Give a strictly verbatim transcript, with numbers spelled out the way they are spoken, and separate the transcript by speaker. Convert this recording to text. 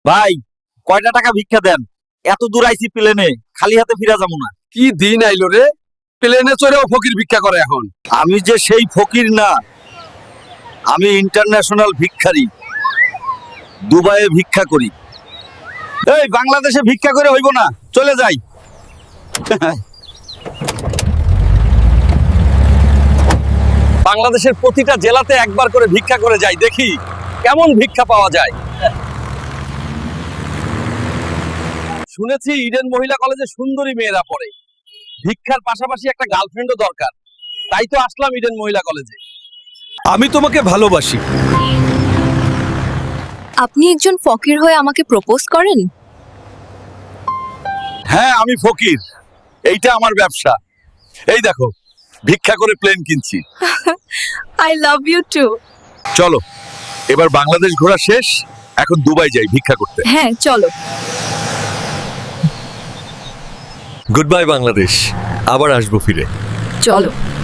Speaker 1: ভাই কয়টা টাকা ভিক্ষা দেন? এত দূর আইছি প্লেনে, খালি হাতে ফিরা যাবো না।
Speaker 2: কি দিন আইলো রে, প্লেনে চড়েও ফকির ভিক্ষা করে এখন।
Speaker 1: আমি যে সেই ফকির না, আমি ইন্টারন্যাশনাল ভিক্ষারি, দুবাইয়ে ভিক্ষা করি। এই বাংলাদেশে ভিক্ষা করে হইব না, চলে যাই।
Speaker 2: বাংলাদেশের প্রতিটা জেলাতে একবার করে ভিক্ষা করে যাই, দেখি কেমন ভিক্ষা পাওয়া যায়। শুনেছি ইডেন মহিলা কলেজে সুন্দরী মেয়েরা পড়ে, ভিক্ষার পাশাপাশি একটা গার্লফ্রেন্ডও দরকার, তাই তো আসলাম ইডেন মহিলা কলেজে।
Speaker 1: আমি তোমাকে ভালোবাসি।
Speaker 3: আপনি একজন ফকির হয়ে আমাকে প্রপোজ করেন?
Speaker 1: হ্যাঁ, আমি ফকির, এইটা আমার ব্যবসা। এই দেখো, ভিক্ষা করে প্লেন কিনছি।
Speaker 3: I love you too.
Speaker 1: চলো, এবার বাংলাদেশ ঘোরা শেষ, এখন দুবাই যাই ভিক্ষা করতে।
Speaker 3: হ্যাঁ চলো।
Speaker 4: গুড বাই বাংলাদেশ, আবার আসবো ফিরে।
Speaker 3: চলো।